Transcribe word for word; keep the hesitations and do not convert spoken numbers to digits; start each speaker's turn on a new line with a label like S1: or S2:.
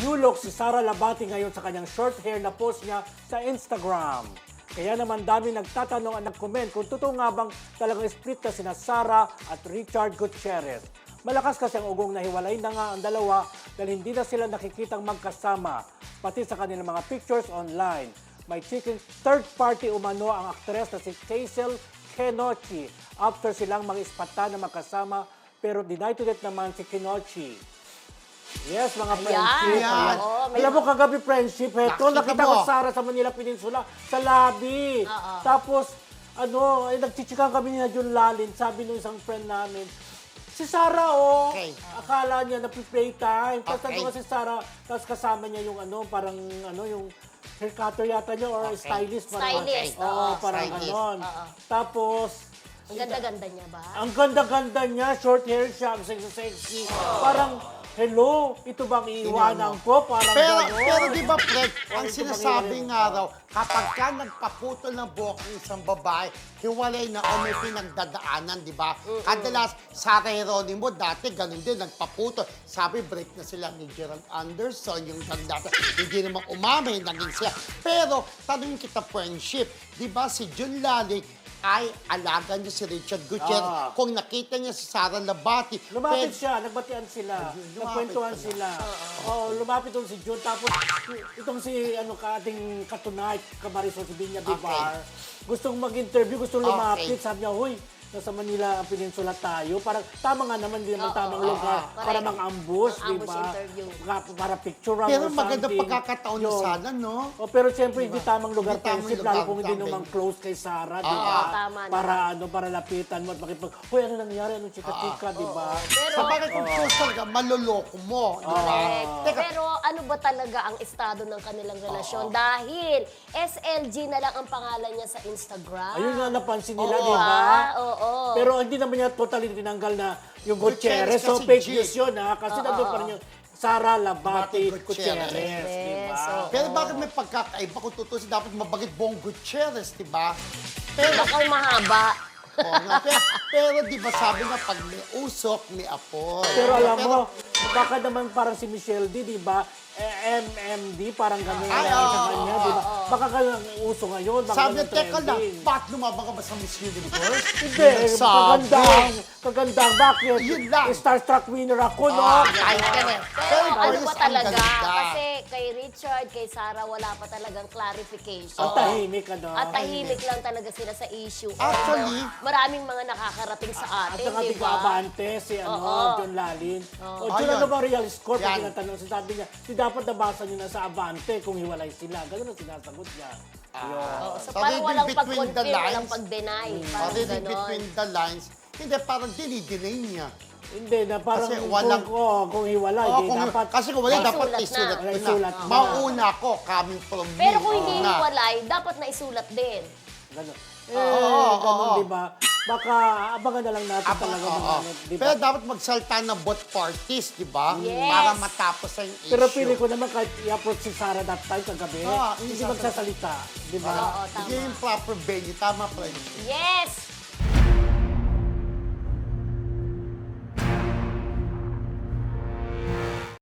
S1: New look si Sara Labati ngayon sa kanyang short hair na post niya sa Instagram. Kaya naman dami nagtatanong at nag-comment kung totoo nga bang talagang split na sina Sara at Richard Gutierrez. Malakas kasi ang ugong na hiwalay na nga ang dalawa dahil hindi na sila nakikitang magkasama, pati sa kanilang mga pictures online. May chicken third party umano ang aktres na si Hazel Kenochi after silang mag-ispata na magkasama pero denied to that naman si Kenochi. Yes, mga friendship.
S2: Ayan.
S1: Oo, may... Alam mo, kagabi friendship, heto,
S2: Nakita
S1: nakita
S2: mo.
S1: ko Sara sa Manila Peninsula, sa lobby.
S3: Oo.
S1: Tapos, ano, eh, nagchichikan kami ni Jun Lalin, sabi nung isang friend namin, si Sara, oh,
S2: Okay.
S1: akala niya na-playtime. Tapos
S2: Okay.
S1: ano si Sara, tapos kasama niya yung ano, parang ano, yung hair cutter yata niya or
S2: Okay.
S1: stylist. Parang,
S3: Stylist,
S1: Oo,
S3: oo.
S1: parang
S2: Stylist.
S1: ganon.
S3: Oo.
S1: Tapos,
S3: Ang ganda-ganda niya ba?
S1: ang ganda-ganda niya, short hair siya, ang sexy-sexy. Parang, hello, ito bang iiwanan ko? Parang
S2: Pero,
S1: gano'n.
S2: pero di ba, Fred, ang
S1: ito
S2: sinasabi
S1: bang
S2: nga raw, kapag ka nagpaputol ng buhok ng isang babae, hiwalay na o may pinagdadaanan, di ba? Kadalas, Sarah Geronimo, dati ganun din, nagpaputol. Sabi, break na sila ni Gerald Anderson, yung ganda. Hindi naman umami, naging siya. Pero, tanongin kita, friendship, di ba si Jun Laling, ay alaga niya si Richard Gutierrez.
S1: Ah.
S2: Kung nakita niya si Sarah Labati,
S1: Lumapit
S2: pwede-
S1: siya, nagbatian sila,
S2: Lumapit
S1: nagkwentuhan
S2: pala.
S1: sila. Oo, lumapit doon si Jun. Tapos, itong si ano ka ating katunay, Kamarisol, si Binya Bibar, gustong mag-interview, gustong lumapit.
S2: Okay.
S1: Sabi niya, huy, nasa Manila ang peninsula tayo. Parang tama nga naman, hindi naman
S3: Oo,
S1: tamang
S3: oo,
S1: lugar
S3: oo.
S1: para
S3: Correct.
S1: mang-ambush, di
S3: Mang-ambush
S1: ba?
S3: interview.
S1: Ka- Para picture or
S2: Pero
S1: something.
S2: magandang pagkakataon na
S1: Yun.
S2: sana, no?
S1: Oh, pero siyempre, hindi tamang lugar,
S2: Hindi tamang
S1: friendship,
S2: lugar,
S1: lalo kung hindi
S2: tamang.
S1: naman close kay Sarah, di
S2: Oo,
S1: ba?
S3: tama na.
S1: Para ano, para lapitan mo at makipag, huy, ano nangyari, anong chika-chika, di ba?
S3: Pero,
S2: Sa bagay kung close talaga, maloloko mo, di ba?
S3: correct.
S2: Teka,
S3: Pero ano ba talaga ang estado ng kanilang relasyon? Dahil S L G na lang ang pangalan niya sa Instagram.
S1: Ayun nga napansin nila,
S2: Oo.
S1: di ba?
S3: Ah, oo.
S1: Pero hindi naman niya totally tinanggal na yung Gutierrez.
S2: Gutierrez
S1: So,
S2: kasi
S1: fake
S2: G.
S1: news yun, ha? Kasi nandun pa rin yung Sara Labati
S2: Labati
S1: Gutierrez,
S2: Gutierrez.
S1: di ba?
S3: Yes, oo.
S2: pero bakit may pagkakaiba kung tutusin dapat mabagit Bong Gutierrez, di ba? Pero,
S3: Baka mahaba.
S2: oo nga, pero, pero di ba sabi nga, pag may usok, may apoy.
S1: Pero alam mo, baka naman parang si Michelle D, di ba? Eh, M M D, parang ganyan
S2: Ay,
S1: lang sa
S2: oo,
S1: kanya,
S2: oo,
S1: di ba? Baka ganyan ang uso ngayon, baka
S2: Sabi niya,
S1: ganyan
S2: teka lang,
S1: trending.
S2: ba't lumabang ka ba sa Miss Universe?
S1: Hindi,
S2: Sabi.
S1: kagandang, kagandang, bakit?
S2: Yun lang.
S1: Starstruck winner ako, no?
S2: Ah, kahit ka na.
S3: Pero
S2: in
S3: ano
S2: fairness,
S3: ba
S2: ang
S3: talaga?
S2: ganda.
S3: Kasi kay Richard, kay Sarah, wala pa talagang clarification.
S1: Ang tahimik, ano?
S3: At tahimik lang talaga sila sa issue.
S2: Actually,
S3: Although, maraming mga nakakarating sa
S1: At
S3: atin,
S1: saka
S3: di
S1: di
S3: ba?
S1: Abante, si ano,
S3: Oo.
S1: John Lalin. O,
S2: Ah,
S1: John,
S2: yun.
S1: ano ba real score? Pag
S2: Yan.
S1: tinatanong, sabi niya, di dapat nabasa niyo na sa Abante kung hiwalay sila. Ganun ang sinasagot niya. Yun.
S3: Oo, so,
S2: So,
S3: parang
S2: reading
S3: walang
S2: between the
S3: pag-confirm, walang
S2: lines.
S3: pag-deny.
S2: Or
S3: Parang
S2: reading
S3: ganon.
S2: between the lines, hindi, parang dinidinay niya.
S1: Hindi, na parang
S2: Kasi walang-
S1: kung, oh, kung hiwalay,
S2: Oo,
S1: di
S2: kung,
S1: dapat.
S2: kasi kung wala,
S3: May
S2: dapat
S3: sulat na.
S2: isulat
S1: May
S2: ko
S1: sulat
S2: na.
S1: na.
S2: Mauna ko, coming from me.
S3: Pero kung hindi
S2: Oo nga.
S3: hiwalay, dapat naisulat din.
S1: Ganun. Eh,
S2: Oo,
S1: ganun,
S2: oo.
S1: di ba? Baka abangan na lang natin
S2: Aba,
S1: talaga
S2: oo.
S1: mga, di ba?
S2: Pero dapat magsalta ng both parties, di ba?
S3: Yes.
S2: Para matapos ang issue.
S1: Pero pili ko naman kahit i-approach si Sarah that time kagabi,
S2: Ah,
S1: hindi
S2: hindi
S1: magsasalita, di ba?
S3: Oo, tama.
S2: Hindi yung proper venue. Tama, friend.
S3: Yes!